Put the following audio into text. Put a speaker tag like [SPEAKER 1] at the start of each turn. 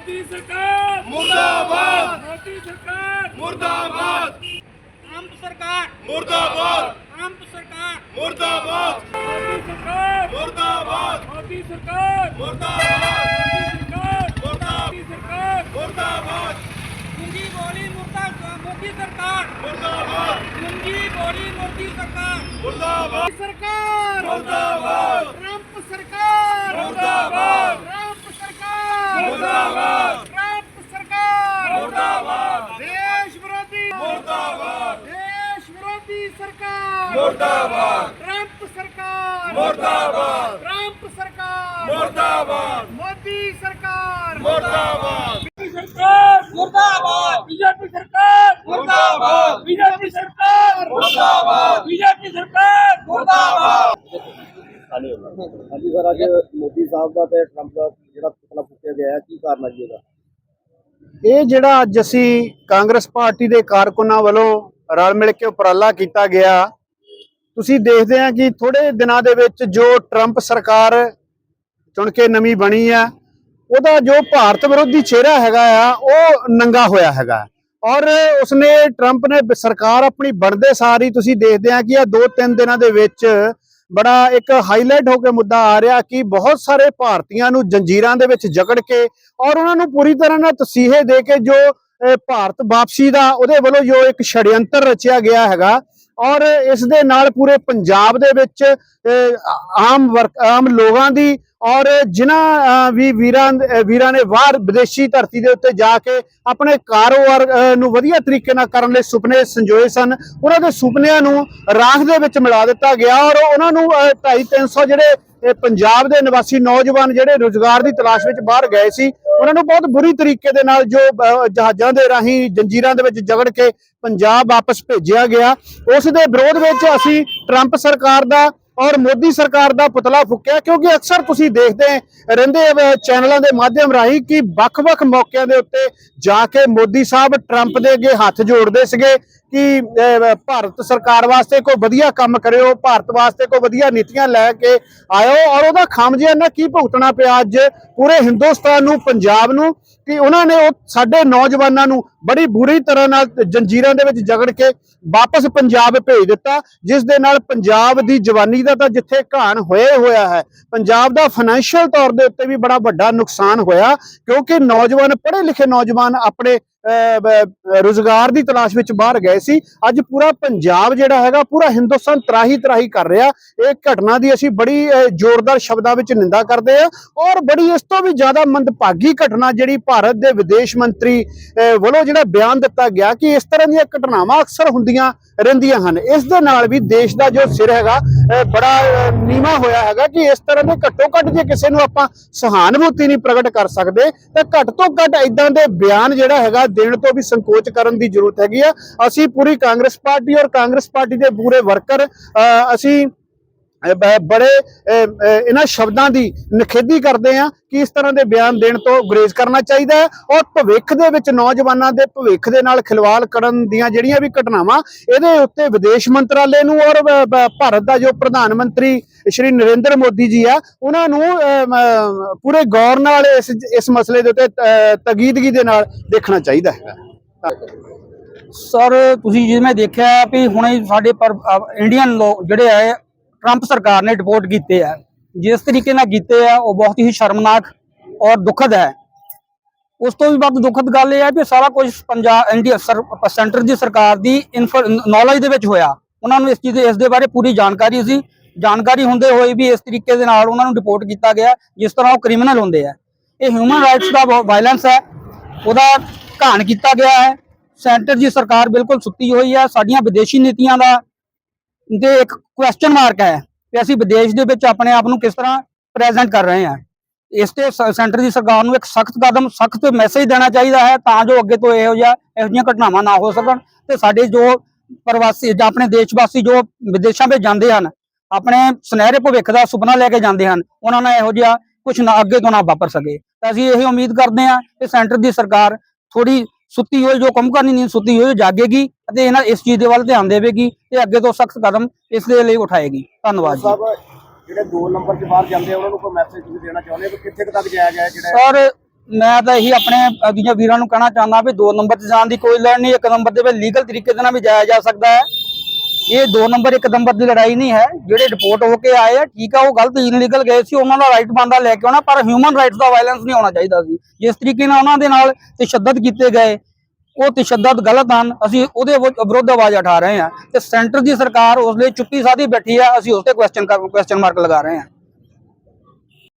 [SPEAKER 1] मोदी सरकार मुर्दाबाद, मोदी सरकार मुर्दाबाद,
[SPEAKER 2] ट्रंप सरकार
[SPEAKER 1] मुर्दाबाद,
[SPEAKER 2] ट्रंप सरकार
[SPEAKER 1] मुर्दाबाद, मोदी सरकार मुर्दाबाद, मोदी सरकार मुर्दाबाद, मोदी सरकार मुर्दाबाद,
[SPEAKER 2] गुंगी बोली मोदी सरकार
[SPEAKER 1] मुर्दाबाद,
[SPEAKER 2] गुंगी बोली मोदी सरकार
[SPEAKER 1] मुर्दाबाद,
[SPEAKER 2] सरकार
[SPEAKER 1] मुर्दाबाद,
[SPEAKER 2] ट्रंप सरकार
[SPEAKER 1] मुर्दाबाद,
[SPEAKER 2] ट्रंप सरकार
[SPEAKER 1] मुर्दाबाद,
[SPEAKER 2] ट्रंप सरकार
[SPEAKER 1] मुर्दाबाद,
[SPEAKER 2] देश विरोधी
[SPEAKER 1] मुर्दाबाद,
[SPEAKER 2] देश विरोधी सरकार
[SPEAKER 1] मुर्दाबाद,
[SPEAKER 2] ट्रंप सरकार
[SPEAKER 1] मुर्दाबाद,
[SPEAKER 2] ट्रंप सरकार
[SPEAKER 1] मुर्दाबाद,
[SPEAKER 2] मोदी सरकार
[SPEAKER 1] मुर्दाबाद,
[SPEAKER 2] सरकार मुर्दाबाद बीजेपी सरकार
[SPEAKER 1] मुर्दाबाद,
[SPEAKER 2] बीजेपी सरकार
[SPEAKER 1] मुर्दाबाद,
[SPEAKER 2] बीजेपी सरकार
[SPEAKER 1] मुर्दाबाद।
[SPEAKER 3] ਹਾਂਜੀ ਸਰ, ਅੱਜ ਮੋਦੀ ਸਾਹਿਬ ਦਾ ਤੇ ਟਰੰਪ ਦਾ ਜਿਹੜਾ ਪੁਤਲਾ ਫੂਕਿਆ ਗਿਆ ਹੈ, ਕੀ ਕਾਰਨ ਹੈ ਜੀ ਇਹਦਾ?
[SPEAKER 4] ਇਹ ਜਿਹੜਾ ਅੱਜ ਅਸੀਂ ਕਾਂਗਰਸ ਪਾਰਟੀ ਦੇ ਕਾਰਕੁਨਾਂ ਵੱਲੋਂ ਰਲ ਮਿਲ ਕੇ ਉਪਰਾਲਾ ਕੀਤਾ ਗਿਆ, ਤੁਸੀਂ ਦੇਖਦੇ ਆ ਕਿ ਥੋੜੇ ਦਿਨਾਂ ਦੇ ਵਿੱਚ ਜੋ ਟਰੰਪ ਸਰਕਾਰ ਚੁਣ ਕੇ ਨਵੀਂ ਬਣੀ ਆ, ਉਹਦਾ ਜੋ ਭਾਰਤ ਵਿਰੋਧੀ ਚਿਹਰਾ ਹੈਗਾ ਆ ਉਹ ਨੰਗਾ ਹੋਇਆ ਹੈਗਾ। ਔਰ ਉਸਨੇ ਟਰੰਪ ਨੇ ਸਰਕਾਰ ਆਪਣੀ ਬਣਦੇ ਸਾਰ ਹੀ ਤੁਸੀਂ ਦੇਖਦੇ ਆ ਕਿ ਆ 2-3 ਦਿਨਾਂ ਦੇ ਵਿੱਚ ਬੜਾ ਇੱਕ ਹਾਈਲਾਈਟ ਹੋ ਕੇ ਮੁੱਦਾ ਆ ਰਿਹਾ ਕਿ ਬਹੁਤ ਸਾਰੇ ਭਾਰਤੀਆਂ ਨੂੰ ਜੰਜੀਰਾਂ ਦੇ ਵਿੱਚ ਜਕੜ ਕੇ ਔਰ ਉਹਨਾਂ ਨੂੰ ਪੂਰੀ ਤਰ੍ਹਾਂ ਨਾਲ ਤਸੀਹੇ ਦੇ ਕੇ ਜੋ ਭਾਰਤ ਵਾਪਸੀ ਦਾ ਉਹਦੇ ਵੱਲੋਂ ਜੋ ਇੱਕ ਛੜਯੰਤਰ ਰਚਿਆ ਗਿਆ ਹੈਗਾ, ਔਰ ਇਸ ਦੇ ਨਾਲ ਪੂਰੇ ਪੰਜਾਬ ਦੇ ਵਿੱਚ ਆਮ ਲੋਕਾਂ ਦੀ ਔਰ ਜਿਨ੍ਹਾਂ ਵੀ ਵੀਰਾਂ ਨੇ ਬਾਹਰ ਵਿਦੇਸ਼ੀ ਧਰਤੀ ਦੇ ਉੱਤੇ ਜਾ ਕੇ ਆਪਣੇ ਕਾਰੋਬਾਰ ਨੂੰ ਵਧੀਆ ਤਰੀਕੇ ਨਾਲ ਕਰਨ ਲਈ ਸੁਪਨੇ ਸੰਜੋਏ ਸਨ, ਉਹਨਾਂ ਦੇ ਸੁਪਨਿਆਂ ਨੂੰ ਰਾਖ ਦੇ ਵਿੱਚ ਮਿਲਾ ਦਿੱਤਾ ਗਿਆ। ਔਰ ਉਹਨਾਂ ਨੂੰ 250-300 ਜਿਹੜੇ ਪੰਜਾਬ ਦੇ ਨਿਵਾਸੀ ਨੌਜਵਾਨ ਜਿਹੜੇ ਰੁਜ਼ਗਾਰ ਦੀ ਤਲਾਸ਼ ਵਿੱਚ ਬਾਹਰ ਗਏ ਸੀ, ਉਹਨਾਂ ਨੂੰ ਬਹੁਤ ਬੁਰੀ ਤਰੀਕੇ ਦੇ ਨਾਲ ਜੋ ਜਹਾਜ਼ਾਂ ਦੇ ਰਾਹੀਂ ਜੰਜੀਰਾਂ ਦੇ ਵਿੱਚ ਜਕੜ ਕੇ ਪੰਜਾਬ ਵਾਪਸ ਭੇਜਿਆ ਗਿਆ। ਉਸ ਦੇ ਵਿਰੋਧ ਵਿੱਚ ਅਸੀਂ ਟਰੰਪ ਸਰਕਾਰ ਦਾ ਔਰ ਮੋਦੀ ਸਰਕਾਰ ਦਾ ਪੁਤਲਾ ਫੂਕਿਆ, ਕਿਉਂਕਿ ਅਕਸਰ ਤੁਸੀਂ ਦੇਖਦੇ ਰਹਿੰਦੇ ਚੈਨਲਾਂ ਦੇ ਮਾਧਿਅਮ ਰਾਹੀਂ ਕਿ ਵੱਖ-ਵੱਖ ਮੌਕਿਆਂ ਦੇ ਉੱਤੇ ਜਾ ਕੇ ਮੋਦੀ ਸਾਹਿਬ ਟਰੰਪ ਦੇ ਅੱਗੇ ਹੱਥ ਜੋੜਦੇ ਸੀਗੇ ਕਿ ਭਾਰਤ ਸਰਕਾਰ ਵਾਸਤੇ ਕੋਈ ਵਧੀਆ ਕੰਮ ਕਰਿਓ, ਭਾਰਤ ਵਾਸਤੇ ਕੋਈ ਵਧੀਆ ਨੀਤੀਆਂ ਲੈ ਕੇ ਆਇਓ। ਔਰ ਉਹਦਾ ਖਾਮਿਆਜ਼ਾ ਕੀ ਭੁਗਤਣਾ ਪਿਆ ਅੱਜ ਪੂਰੇ ਹਿੰਦੁਸਤਾਨ ਨੂੰ, ਪੰਜਾਬ ਨੂੰ, ਕਿ ਉਹਨਾਂ ਨੇ ਉਹ ਸਾਡੇ ਨੌਜਵਾਨਾਂ ਨੂੰ ਬੜੀ ਬੁਰੀ ਤਰ੍ਹਾਂ ਨਾਲ ਜੰਜੀਰਾਂ ਦੇ ਵਿੱਚ ਜਕੜ ਕੇ ਵਾਪਸ ਪੰਜਾਬ ਭੇਜ ਦਿੱਤਾ, ਜਿਸ ਦੇ ਨਾਲ ਪੰਜਾਬ ਦੀ ਜਵਾਨੀ ਦਾ ਤਾਂ ਜਿੱਥੇ ਘਾਣ ਹੋਇਆ ਹੈ, ਪੰਜਾਬ ਦਾ ਫਾਈਨੈਂਸ਼ੀਅਲ ਤੌਰ ਦੇ ਉੱਤੇ ਵੀ ਬੜਾ ਵੱਡਾ ਨੁਕਸਾਨ ਹੋਇਆ, ਕਿਉਂਕਿ ਨੌਜਵਾਨ ਪੜ੍ਹੇ ਲਿਖੇ ਨੌਜਵਾਨ ਆਪਣੇ ਰੁਜ਼ਗਾਰ ਦੀ ਤਲਾਸ਼ ਵਿੱਚ ਬਾਹਰ ਗਏ ਸੀ। ਅੱਜ ਪੂਰਾ ਪੰਜਾਬ ਜਿਹੜਾ ਹੈਗਾ, ਪੂਰਾ ਹਿੰਦੁਸਤਾਨ ਤਰਾਹੀ ਕਰ ਰਿਹਾ। ਇਹ ਘਟਨਾ ਦੀ ਅਸੀਂ ਬੜੀ ਜ਼ੋਰਦਾਰ ਸ਼ਬਦਾਂ ਵਿੱਚ ਨਿੰਦਾ ਕਰਦੇ ਆ, ਔਰ ਬੜੀ ਇਸ ਤੋਂ ਵੀ ਜ਼ਿਆਦਾ ਮੰਦਭਾਗੀ ਘਟਨਾ ਜਿਹੜੀ ਭਾਰਤ ਦੇ ਵਿਦੇਸ਼ ਮੰਤਰੀ ਵੱਲੋਂ ਜਿਹੜਾ ਬਿਆਨ ਦਿੱਤਾ ਗਿਆ ਕਿ ਇਸ ਤਰ੍ਹਾਂ ਦੀਆਂ ਘਟਨਾਵਾਂ ਅਕਸਰ ਹੁੰਦੀਆਂ ਰਹਿੰਦੀਆਂ ਹਨ। ਇਸ ਦੇ ਨਾਲ ਵੀ ਦੇਸ਼ ਦਾ ਜੋ ਸਿਰ ਹੈਗਾ ਬੜਾ ਨੀਵਾਂ ਹੋਇਆ ਹੈਗਾ ਕਿ ਇਸ ਤਰ੍ਹਾਂ ਦੇ ਘੱਟੋ ਘੱਟ ਜੇ ਕਿਸੇ ਨੂੰ ਆਪਾਂ ਸਹਾਨੁਭੂਤੀ ਨਹੀਂ ਪ੍ਰਗਟ ਕਰ ਸਕਦੇ ਤਾਂ ਘੱਟ ਤੋਂ ਘੱਟ ਇਦਾਂ ਦੇ ਬਿਆਨ ਜਿਹੜਾ ਹੈਗਾ ਦੇਣ ਤੋਂ ਵੀ ਸੰਕੋਚ ਕਰਨ ਦੀ ਜ਼ਰੂਰਤ ਹੈਗੀ ਆ। ਅਸੀਂ ਪੂਰੀ ਕਾਂਗਰਸ ਪਾਰਟੀ ਔਰ ਕਾਂਗਰਸ ਪਾਰਟੀ ਦੇ ਪੂਰੇ ਵਰਕਰ ਅਸੀਂ ਬੜੇ ਇਹਨਾਂ ਸ਼ਬਦਾਂ ਦੀ ਨਿਖੇਧੀ ਕਰਦੇ ਆ ਕਿ ਇਸ ਤਰ੍ਹਾਂ ਦੇ ਬਿਆਨ ਦੇਣ ਤੋਂ ਗੁਰੇਜ਼ ਕਰਨਾ ਚਾਹੀਦਾ ਹੈ, ਔਰ ਭਵਿੱਖ ਦੇ ਵਿੱਚ ਨੌਜਵਾਨਾਂ ਦੇ ਭਵਿੱਖ ਦੇ ਨਾਲ ਖਿਲਵਾੜ ਕਰਨ ਦੀਆਂ ਜਿਹੜੀਆਂ ਵੀ ਘਟਨਾਵਾਂ, ਇਹਦੇ ਉੱਤੇ ਵਿਦੇਸ਼ ਮੰਤਰਾਲੇ ਨੂੰ ਔਰ ਭਾਰਤ ਦਾ ਜੋ ਪ੍ਰਧਾਨ ਮੰਤਰੀ ਸ਼੍ਰੀ ਨਰਿੰਦਰ ਮੋਦੀ ਜੀ ਆ, ਉਹਨਾਂ ਨੂੰ ਪੂਰੇ ਗੌਰ ਨਾਲ ਇਸ ਮਸਲੇ ਦੇ ਉੱਤੇ ਤਗੀਦਗੀ ਦੇ ਨਾਲ ਦੇਖਣਾ ਚਾਹੀਦਾ ਹੈ।
[SPEAKER 5] ਸਰ, ਤੁਸੀਂ ਜਿਵੇਂ ਦੇਖਿਆ ਵੀ ਹੁਣੇ ਸਾਡੇ ਪਰ ਇੰਡੀਅਨ ਲੋਕ ਜਿਹੜੇ ਆ ਟਰੰਪ ਸਰਕਾਰ ਨੇ ਡਿਪੋਰਟ ਕੀਤੇ ਆ, ਜਿਸ ਤਰੀਕੇ ਨਾਲ ਕੀਤੇ ਆ ਉਹ ਬਹੁਤ ਹੀ ਸ਼ਰਮਨਾਕ ਔਰ ਦੁਖਦ ਹੈ। ਉਸ ਤੋਂ ਵੀ ਵੱਧ ਦੁਖਦ ਗੱਲ ਇਹ ਹੈ ਕਿ ਸਾਰਾ ਕੁਝ ਸੈਂਟਰ ਦੀ ਸਰਕਾਰ ਦੀ ਨੌਲੇਜ ਦੇ ਵਿੱਚ ਹੋਇਆ। ਉਹਨਾਂ ਨੂੰ ਇਸ ਦੇ ਬਾਰੇ ਪੂਰੀ ਜਾਣਕਾਰੀ ਸੀ, ਜਾਣਕਾਰੀ ਹੁੰਦੇ ਹੋਏ ਵੀ ਇਸ ਤਰੀਕੇ ਦੇ ਨਾਲ ਉਹਨਾਂ ਨੂੰ ਡਿਪੋਰਟ ਕੀਤਾ ਗਿਆ ਜਿਸ ਤਰ੍ਹਾਂ ਉਹ ਕ੍ਰਿਮੀਨਲ ਹੁੰਦੇ ਆ। ਇਹ ਹਿਊਮਨ ਰਾਈਟਸ ਦਾ ਵਾਇਲੈਂਸ ਹੈ, ਉਹਦਾ ਘਾਣ ਕੀਤਾ ਗਿਆ ਹੈ। ਸੈਂਟਰ ਦੀ ਸਰਕਾਰ ਬਿਲਕੁਲ ਸੁੱਤੀ ਹੋਈ ਹੈ। ਸਾਡੀਆਂ ਵਿਦੇਸ਼ੀ ਨੀਤੀਆਂ ਦਾ ਤੇ ਇੱਕ ਕੁਐਸਚਨ ਮਾਰਕ ਹੈ ਕਿ ਅਸੀਂ ਵਿਦੇਸ਼ ਦੇ ਵਿੱਚ ਆਪਣੇ ਆਪ ਨੂੰ ਕਿਸ ਤਰ੍ਹਾਂ ਪ੍ਰੈਜ਼ੈਂਟ ਕਰ ਰਹੇ ਹਾਂ। ਇਸ ਤੇ ਸੈਂਟਰ ਦੀ ਸਰਕਾਰ ਨੂੰ ਇੱਕ ਸਖਤ ਮੈਸੇਜ ਦੇਣਾ ਚਾਹੀਦਾ ਹੈ ਤਾਂ ਜੋ ਅੱਗੇ ਤੋਂ ਇਹੋ ਜਿਹੀਆਂ ਘਟਨਾਵਾਂ ਨਾ ਹੋ ਸਕਣ ਤੇ ਸਾਡੇ ਜੋ ਪ੍ਰਵਾਸੀ ਜਾਂ ਆਪਣੇ ਦੇਸ਼-ਵਾਸੀ ਜੋ ਵਿਦੇਸ਼ਾਂ ਵਿੱਚ ਜਾਂਦੇ ਹਨ, ਆਪਣੇ ਸੁਨਹਿਰੇ ਭਵਿੱਖ ਦਾ ਸੁਪਨਾ ਲੈ ਕੇ ਜਾਂਦੇ ਹਨ, ਉਹਨਾਂ ਨਾਲ ਇਹੋ ਜਿਹਾ ਕੁਝ ਨਾ ਅੱਗੇ ਤੋਂ ਨਾ ਵਾਪਰ ਸਕੇ। ਤਾਂ ਅਸੀਂ ਇਹ ਉਮੀਦ ਕਰਦੇ ਹਾਂ ਕਿ ਸੈਂਟਰ ਦੀ ਸਰਕਾਰ ਥੋੜੀ ਸੁੱਤੀ ਹੋਈ ਜੋ ਕੰਮ ਕਰਨੀ ਨਹੀਂ ਸੁੱਤੀ ਹੋਈ ਜਾਗੇਗੀ ਅਤੇ ਇਹਨਾਂ ਇਸ ਚੀਜ਼ ਦੇ ਵੱਲ ਧਿਆਨ ਦੇਵੇਗੀ ਤੇ ਅੱਗੇ ਤੋਂ ਸਖਤ ਕਦਮ ਇਸ ਦੇ ਲਈ ਉਠਾਏਗੀ। ਧੰਨਵਾਦ ਜੀ।
[SPEAKER 3] ਜਿਹੜੇ 2 ਨੰਬਰ 'ਚ ਬਾਹਰ ਜਾਂਦੇ ਆ ਉਹਨਾਂ ਨੂੰ ਕੋਈ ਮੈਸੇਜ ਤੁਸੀਂ ਦੇਣਾ ਚਾਹੁੰਦੇ ਹੋ ਕਿ ਕਿੱਥੇ ਤੱਕ ਜਾਇਆ ਗਿਆ?
[SPEAKER 5] ਸਰ, ਮੈਂ ਤਾਂ ਇਹੀ ਆਪਣੇ ਦੂਜੇ ਵੀਰਾਂ ਨੂੰ ਕਹਿਣਾ ਚਾਹੁੰਦਾ ਵੀ 2 ਨੰਬਰ 'ਤੇ ਜਾਣ ਦੀ ਕੋਈ ਲੋੜ ਨਹੀਂ। 1 ਨੰਬਰ ਦੇ ਵਿੱਚ ਲੀਗਲ ਤਰੀਕੇ ਦੇ ਨਾਲ ਵੀ ਜਾਇਆ ਜਾ ਸਕਦਾ ਹੈ। ਇਹ 2 ਨੰਬਰ 1 ਨੰਬਰ ਦੀ ਲੜਾਈ ਨਹੀਂ ਹੈ। ਜਿਹੜੇ ਡਿਪੋਰਟ ਹੋ ਕੇ ਆਏ ਆ ਠੀਕ ਆ, ਉਹ ਗਲਤ ਇਨਲੀਗਲ ਗਏ ਸੀ, ਉਹਨਾਂ ਦਾ ਰਾਈਟ ਬਣਦਾ ਲੈ ਕੇ ਆਉਣਾ, ਪਰ ਹਿਊਮਨ ਰਾਈਟਸ ਦਾ ਵਾਇਲੈਂਸ ਨਹੀਂ ਹੋਣਾ ਚਾਹੀਦਾ ਸੀ। ਜਿਸ ਤਰੀਕੇ ਨਾਲ ਉਹਨਾਂ ਦੇ ਨਾਲ ਤਸ਼ੱਦਦ ਕੀਤੇ ਗਏ, ਉਹ ਤਸ਼ੱਦਦ ਗਲਤ ਹਨ। ਅਸੀਂ ਉਹਦੇ ਵਿਰੁੱਧ ਆਵਾਜ਼ ਉਠਾ ਰਹੇ ਹਾਂ ਤੇ ਸੈਂਟਰ ਦੀ ਸਰਕਾਰ ਉਸ ਲਈ ਚੁੱਪੀ ਸਾਧੀ ਬੈਠੀ ਆ। ਅਸੀਂ ਉਸ ਤੇ ਕੁਐਸਚਨ ਮਾਰਕ ਲਗਾ ਰਹੇ ਹਾਂ।